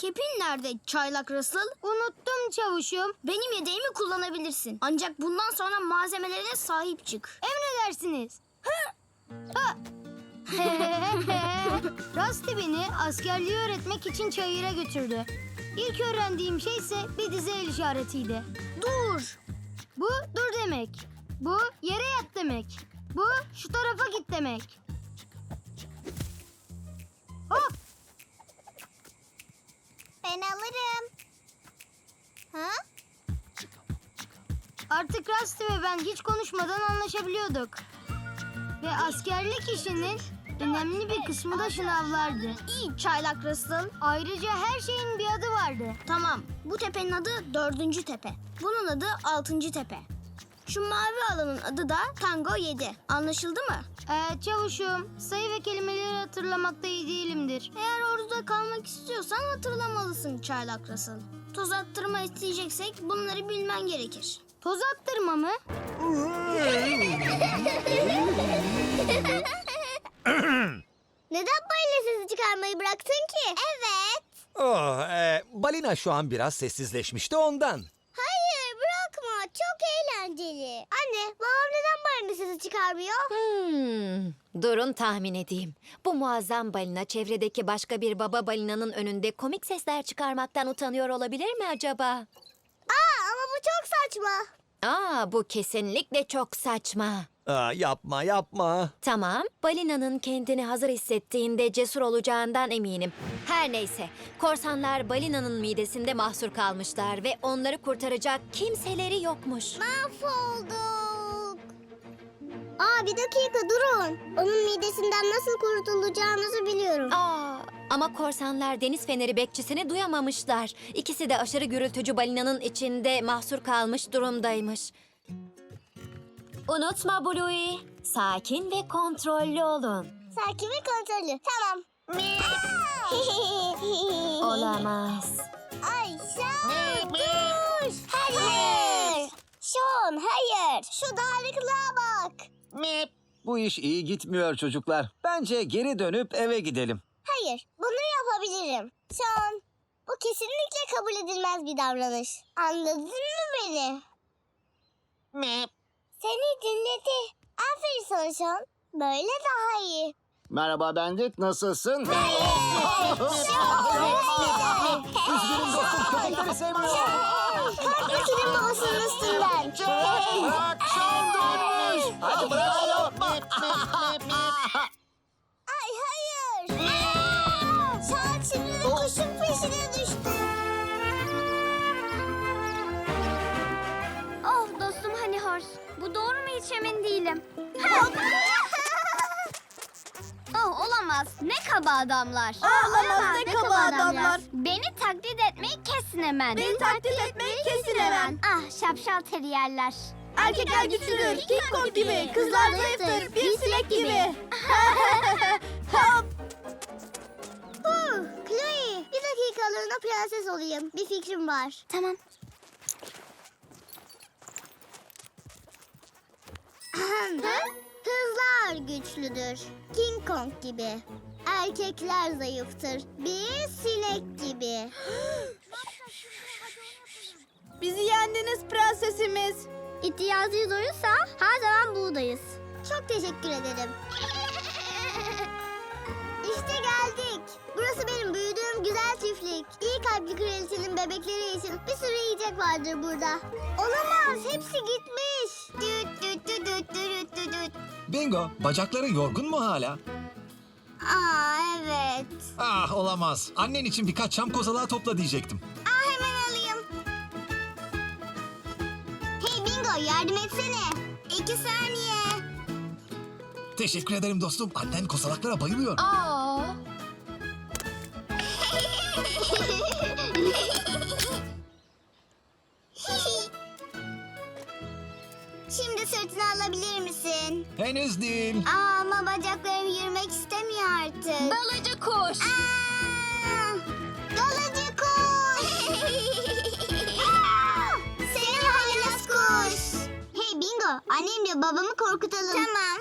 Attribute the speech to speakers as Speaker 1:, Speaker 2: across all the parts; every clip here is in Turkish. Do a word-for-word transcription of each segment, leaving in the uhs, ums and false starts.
Speaker 1: Kepin nerede çaylak Russell?
Speaker 2: Unuttum çavuşum.
Speaker 1: Benim yedeğimi kullanabilirsin. Ancak bundan sonra malzemelerine sahip çık.
Speaker 2: Emredersiniz. Ha! Rusty beni askerliği öğretmek için çayıra götürdü. İlk öğrendiğim şey ise bir dize el işaretiydi.
Speaker 1: Dur!
Speaker 2: Bu dur demek. Bu yere yat demek. Bu şu tarafa git demek. Hop!
Speaker 3: Ben alırım. Ha?
Speaker 2: Artık Rusty ve ben hiç konuşmadan anlaşabiliyorduk. Ve askerlik işinin önemli bir kısmı da şınavlardı.
Speaker 1: İyi çaylak Russell.
Speaker 2: Ayrıca her şeyin bir adı vardı.
Speaker 1: Tamam. Bu tepenin adı dördüncü tepe. Bunun adı altıncı tepe. Şu mavi alanın adı da Tango yedi. Anlaşıldı mı?
Speaker 2: Ee, çavuşum, sayı ve kelimeleri hatırlamakta iyi değilimdir.
Speaker 1: Eğer orada kalmak istiyorsan hatırlamalısın çaylak Russell. Toz attırma isteyeceksek bunları bilmen gerekir.
Speaker 2: Toz attırma mı?
Speaker 3: Neden balina sesi çıkarmayı bıraktın ki? Evet.
Speaker 4: Oh, e, balina şu an biraz sessizleşmişti ondan.
Speaker 3: Hayır bırakma. Çok eğlenceli. Anne babam neden balina sesi çıkarmıyor?
Speaker 5: Hmm, durun tahmin edeyim. Bu muazzam balina çevredeki başka bir baba balinanın önünde komik sesler çıkarmaktan utanıyor olabilir mi acaba?
Speaker 3: Aa ama bu çok saçma.
Speaker 5: Aa, bu kesinlikle çok saçma.
Speaker 4: Aa, yapma yapma.
Speaker 5: Tamam, balinanın kendini hazır hissettiğinde cesur olacağından eminim. Her neyse, korsanlar balinanın midesinde mahsur kalmışlar ve onları kurtaracak kimseleri yokmuş.
Speaker 3: Mahvolduk. Aa bir dakika durun. Onun midesinden nasıl kurtulacağımızı biliyorum.
Speaker 5: Aa, ama korsanlar deniz feneri bekçisini duyamamışlar. İkisi de aşırı gürültücü balinanın içinde mahsur kalmış durumdaymış. Unutma Bluey, sakin ve kontrollü olun.
Speaker 3: Sakin ve kontrollü. Tamam.
Speaker 5: Olamaz.
Speaker 3: Ay Sean dur. Hayır. Sean hayır. Şu dağınıklığa bak.
Speaker 4: Bu iş iyi gitmiyor çocuklar. Bence geri dönüp eve gidelim.
Speaker 3: Hayır bunu yapabilirim. Sean bu kesinlikle kabul edilmez bir davranış. Anladın mı beni? Seni dinledi. Aferin sana Sean. Böyle daha iyi.
Speaker 6: Merhaba Bandit, nasılsın?
Speaker 4: Üzgünüm dostum, köpekleri sevmiyor.
Speaker 3: Kalk senin babasının üstünden.
Speaker 6: Bırak, Sean dönmüş. Hadi bırak onu.
Speaker 3: Ay hayır. Sean şimdi de kuşun peşine düştü.
Speaker 1: Oh dostum Honey Horse. Bu doğru mu hiç emin değilim. Oh olamaz. Ne kaba adamlar.
Speaker 2: olamaz, ne kaba adamlar.
Speaker 1: Beni taklit etmeyi kesin hemen.
Speaker 2: Beni taklit etmeyi kesin hemen.
Speaker 1: Ah şapşal teriyerler.
Speaker 2: Erkekler güçlüdür, King Kong gibi. Kızlar zayıftır, bir sinek gibi.
Speaker 3: Huh, Chloe bir dakikalığına prenses olayım. Bir fikrim var.
Speaker 1: Tamam.
Speaker 3: Kızlar güçlüdür. King Kong gibi. Erkekler zayıftır. Bir sinek gibi.
Speaker 2: Bizi yendiniz prensesimiz.
Speaker 3: İhtiyacınız olursa her zaman buradayız. Çok teşekkür ederim. İşte geldik. Burası benim büyüdüğüm güzel çiftlik. İyi kalpli kraliçenin bebekleri için bir sürü yiyecek vardır burada. Olamaz, hepsi gitmiş. Düt düt düt düt düt düt düt.
Speaker 7: Bingo, bacakları yorgun mu hala?
Speaker 3: Aa evet.
Speaker 7: Ah olamaz. Annen için birkaç çam kozalağı topla diyecektim.
Speaker 3: Aa hemen alayım. Hey Bingo yardım etsene. İki saniye.
Speaker 7: Teşekkür ederim dostum. Annen kozalaklara bayılıyor.
Speaker 5: Aa,
Speaker 3: Şimdi sırtını alabilir misin?
Speaker 7: Henüz değil.
Speaker 3: Aa, ama bacaklarım yürümek istemiyor artık.
Speaker 5: balıcı kuş.
Speaker 3: Aa, Dalıcı kuş. Aa, Seni haylaz kuş. Hey Bingo, annemle babamı korkutalım. Tamam.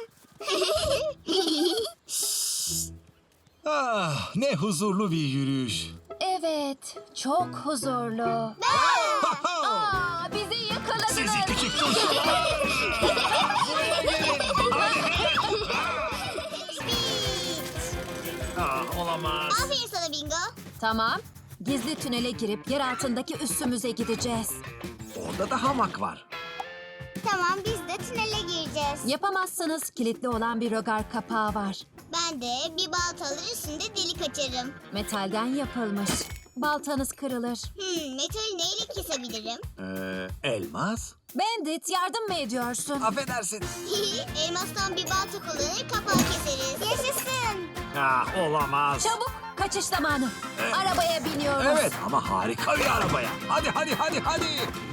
Speaker 7: Ah, ne huzurlu bir yürüyüş.
Speaker 5: Evet. Evet, çok huzurlu. Aa, bizi yakaladınız.
Speaker 7: Sizi küçük turşular. Buraya gelin. Ah, olamaz.
Speaker 3: Aferin sana Bingo.
Speaker 5: Tamam, gizli tünele girip yer altındaki üssümüze gideceğiz.
Speaker 4: Orada da hamak var.
Speaker 3: Tamam biz de tünele gireceğiz.
Speaker 5: Yapamazsanız kilitli olan bir rögar kapağı var.
Speaker 3: Ben de bir baltalı üstünde delik açarım.
Speaker 5: Metalden yapılmış. Baltanız kırılır.
Speaker 3: Hmm, metali neyle kesebilirim?
Speaker 4: Ee, elmas?
Speaker 5: Bandit, yardım mı ediyorsun?
Speaker 4: Affedersin.
Speaker 3: Elmastan bir balta kullanır kapağı keseriz. Yaşasın.
Speaker 4: Ah, olamaz.
Speaker 5: Çabuk, kaçış zamanı. Arabaya biniyoruz.
Speaker 4: Evet ama harika bir arabaya. Hadi hadi hadi hadi.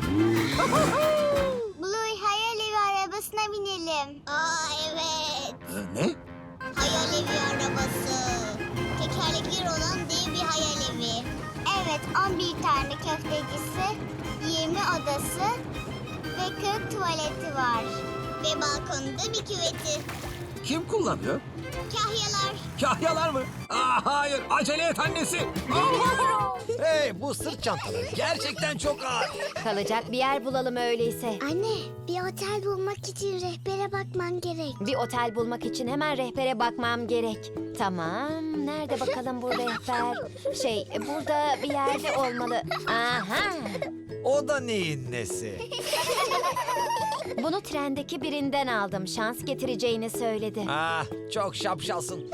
Speaker 3: Blue hayal evi arabasına binelim. Aa evet.
Speaker 4: Ee, ne?
Speaker 3: Hayal evi arabası. Tekerlekleri olan dev bir hayal evi. Evet on bir tane köftecisi, yirmi odası ve kırk tuvaleti var. Ve balkonunda bir küveti.
Speaker 4: Kim kullanıyor?
Speaker 3: Kahyalar.
Speaker 4: Kahyalar mı? Aa, hayır, acele et annesi. Hey, bu sırt çantaları gerçekten çok ağır.
Speaker 5: Kalacak bir yer bulalım öyleyse.
Speaker 3: Anne bir otel bulmak için rehbere bakman gerek.
Speaker 5: Bir otel bulmak için hemen rehbere bakmam gerek. Tamam, nerede bakalım bu rehber? Şey, burada bir yerde olmalı. Aha!
Speaker 4: O da neyin nesi?
Speaker 5: Bunu trendeki birinden aldım. Şans getireceğini söyledi.
Speaker 4: Ah, çok şapşalsın.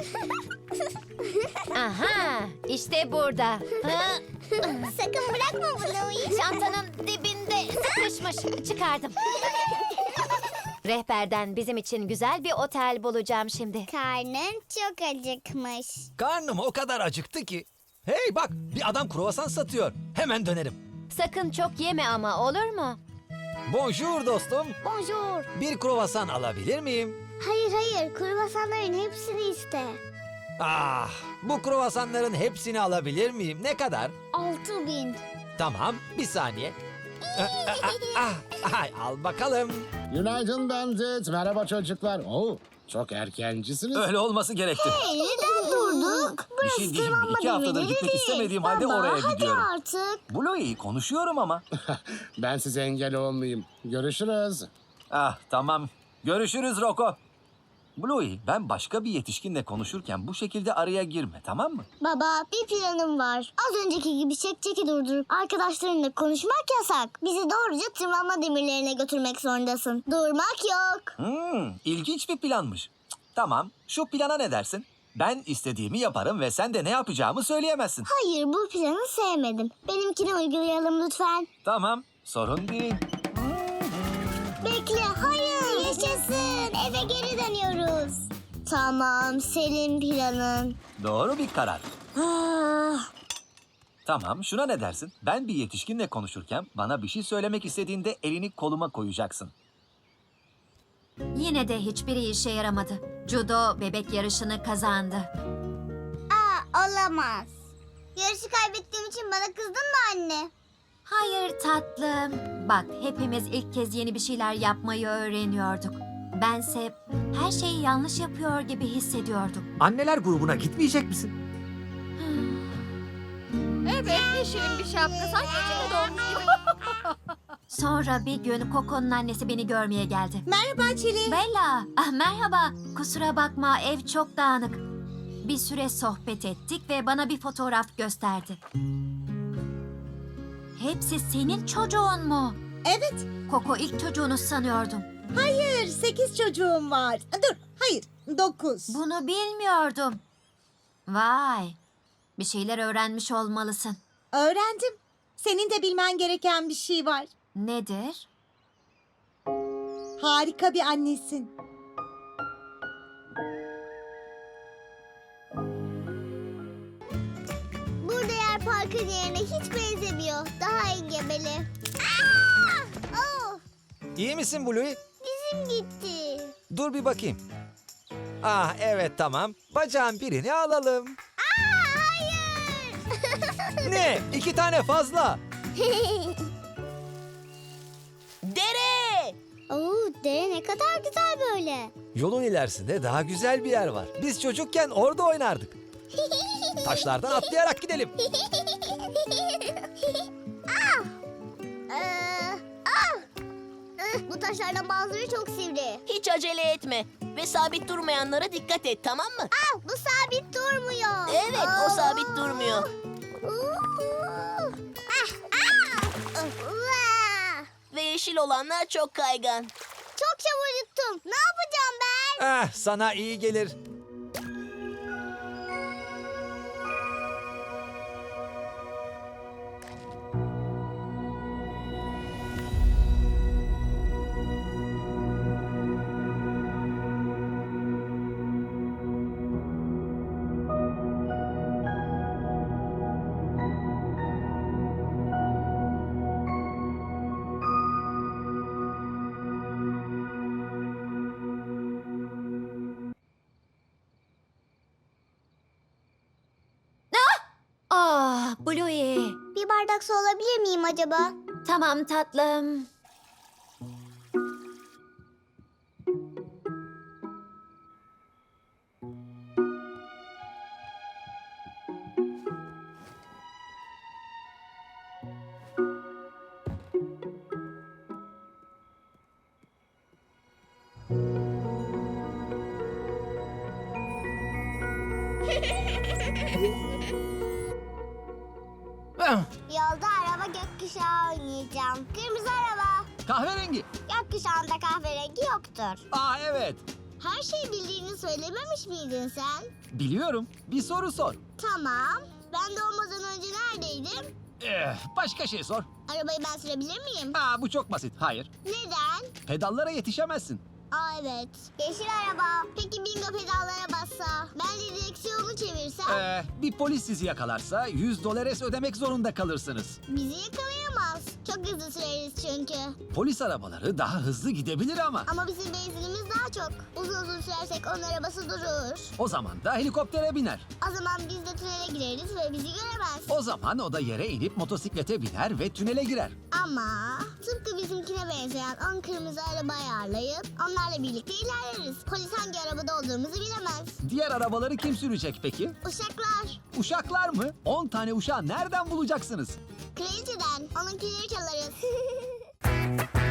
Speaker 5: Aha! İşte burada. Ha,
Speaker 3: Sakın bırakma Blue'yu.
Speaker 5: çantanın dibinde sıkışmış. Çıkardım. Rehberden bizim için güzel bir otel bulacağım şimdi.
Speaker 3: Karnın çok acıkmış.
Speaker 4: Karnım o kadar acıktı ki. Hey bak, bir adam kruvasan satıyor. Hemen dönerim.
Speaker 5: Sakın çok yeme ama, olur mu?
Speaker 4: Bonjour dostum.
Speaker 3: Bonjour.
Speaker 4: Bir kruvasan alabilir miyim?
Speaker 3: Hayır hayır kruvasanların hepsini iste.
Speaker 4: Ah, bu kruvasanların hepsini alabilir miyim? Ne kadar?
Speaker 3: Altı bin.
Speaker 4: Tamam, bir saniye. Ah, ah, ah, ah, al bakalım.
Speaker 6: Günaydın Bandit. Merhaba çocuklar. Oo, çok erkencisiniz.
Speaker 4: Öyle olması gerekti.
Speaker 3: Hey neden durduk?
Speaker 4: Bir şey diyeyim mi? İki haftadır gitmek istemediğim halde oraya gidiyorum.
Speaker 3: Artık.
Speaker 4: Bluey, konuşuyorum ama.
Speaker 6: Ben size engel olmayayım. Görüşürüz.
Speaker 4: Ah, tamam. Görüşürüz Roko. Bluey, ben başka bir yetişkinle konuşurken bu şekilde araya girme, tamam mı?
Speaker 3: Baba bir planım var. Az önceki gibi çek çeki durdurup arkadaşlarınla konuşmak yasak. Bizi doğruca tırmanma demirlerine götürmek zorundasın. Durmak yok.
Speaker 4: Hmm, ilginç bir planmış. Cık, tamam, şu plana ne dersin? Ben istediğimi yaparım ve sen de ne yapacağımı söyleyemezsin.
Speaker 3: Hayır bu planı sevmedim. Benimkini uygulayalım lütfen.
Speaker 4: Tamam, sorun değil.
Speaker 3: Bekle hayır. Yaşasın eve geri dönüyoruz. Tamam senin planın.
Speaker 4: Doğru bir karar.
Speaker 3: Ah,
Speaker 4: Tamam, şuna ne dersin? Ben bir yetişkinle konuşurken bana bir şey söylemek istediğinde elini koluma koyacaksın.
Speaker 5: Yine de hiçbiri işe yaramadı. Judo bebek yarışını kazandı.
Speaker 3: Aa, olamaz. Yarışı kaybettiğim için bana kızdın mı anne?
Speaker 5: Hayır tatlım. Bak, hepimiz ilk kez yeni bir şeyler yapmayı öğreniyorduk. Bense her şeyi yanlış yapıyor gibi hissediyordum.
Speaker 4: Anneler grubuna gitmeyecek misin?
Speaker 5: Evet, yeşilin bir şapka. Sanki içinde doğmuş gibi. Sonra bir gün Coco'nun annesi beni görmeye geldi.
Speaker 8: Merhaba Çili.
Speaker 5: Bella, ah, merhaba. Kusura bakma, ev çok dağınık. Bir süre sohbet ettik ve bana bir fotoğraf gösterdi. Hepsi senin çocuğun mu?
Speaker 8: Evet.
Speaker 5: Coco ilk çocuğunu sanıyordum.
Speaker 8: Hayır, sekiz çocuğum var. Dur, hayır, dokuz.
Speaker 5: Bunu bilmiyordum. Vay, bir şeyler öğrenmiş olmalısın.
Speaker 8: Öğrendim. Senin de bilmen gereken bir şey var.
Speaker 5: Nedir?
Speaker 8: Harika bir annesin.
Speaker 3: Burada yer parkın yerine hiç benzemiyor. Daha engebeli. Aa! Oh,
Speaker 4: İyi misin Bluey?
Speaker 3: dizim gitti.
Speaker 4: Dur bir bakayım. Ah evet tamam. Bacağın birini alalım.
Speaker 3: Aa, hayır.
Speaker 4: Ne? İki tane fazla.
Speaker 3: Dere. Oo, dere ne kadar güzel böyle.
Speaker 4: Yolun ilerisinde daha güzel bir yer var. Biz çocukken orada oynardık. Taşlardan atlayarak gidelim.
Speaker 3: ah! Ee, ah! Ih, bu taşlardan bazıları çok sivri.
Speaker 9: Hiç acele etme ve sabit durmayanlara dikkat et, tamam mı?
Speaker 3: Ah, bu sabit durmuyor.
Speaker 9: Evet, o
Speaker 3: Aa!
Speaker 9: sabit durmuyor.
Speaker 3: Uuu. Ah, ah! Vah!
Speaker 9: Ve yeşil olanlar çok kaygan.
Speaker 3: Çok çabuk yuttum. Ne yapacağım ben?
Speaker 4: Ah, sana iyi gelir.
Speaker 5: Ah, Bluey.
Speaker 3: Bir bardak su alabilir miyim acaba?
Speaker 5: Tamam tatlım.
Speaker 3: Yolda araba gökkuşağı oynayacağım. Kırmızı araba.
Speaker 4: Kahverengi.
Speaker 3: Gökkuşağında kahverengi yoktur.
Speaker 4: Aa evet.
Speaker 3: Her şeyi bildiğini söylememiş miydin sen?
Speaker 4: Biliyorum. Bir soru sor.
Speaker 3: Tamam. Ben doğmadan önce neredeydim?
Speaker 4: Eh, başka şey sor.
Speaker 3: Arabayı ben sürebilir miyim?
Speaker 4: Aa, bu çok basit. Hayır.
Speaker 3: Neden?
Speaker 4: Pedallara yetişemezsin.
Speaker 3: Aa evet. Yeşil araba. Peki bingo pedallara bassa? Ben de direksiyonu çevirsem?
Speaker 4: Ee, bir polis sizi yakalarsa yüz dolares ödemek zorunda kalırsınız.
Speaker 3: Bizi yakalayamaz. Çok hızlı süreriz çünkü.
Speaker 4: Polis arabaları daha hızlı gidebilir ama.
Speaker 3: Ama bizim benzinimiz daha çok. Uzun uzun sürersek onun arabası durur.
Speaker 4: O zaman da helikoptere biner.
Speaker 3: O zaman biz de tünele gireriz ve bizi göremez.
Speaker 4: O zaman o da yere inip motosiklete biner ve tünele girer.
Speaker 3: Ama tıpkı bizimkine benzeyen on kırmızı araba ayarlayıp onlarla birlikte ilerleriz. Polis hangi arabada olduğumuzu bilemez.
Speaker 4: Diğer arabaları kim sürecek peki?
Speaker 3: Uşaklar.
Speaker 4: Uşaklar mı? on tane uşağı nereden bulacaksınız?
Speaker 3: Kraliçeden. Onunkileri çalarız.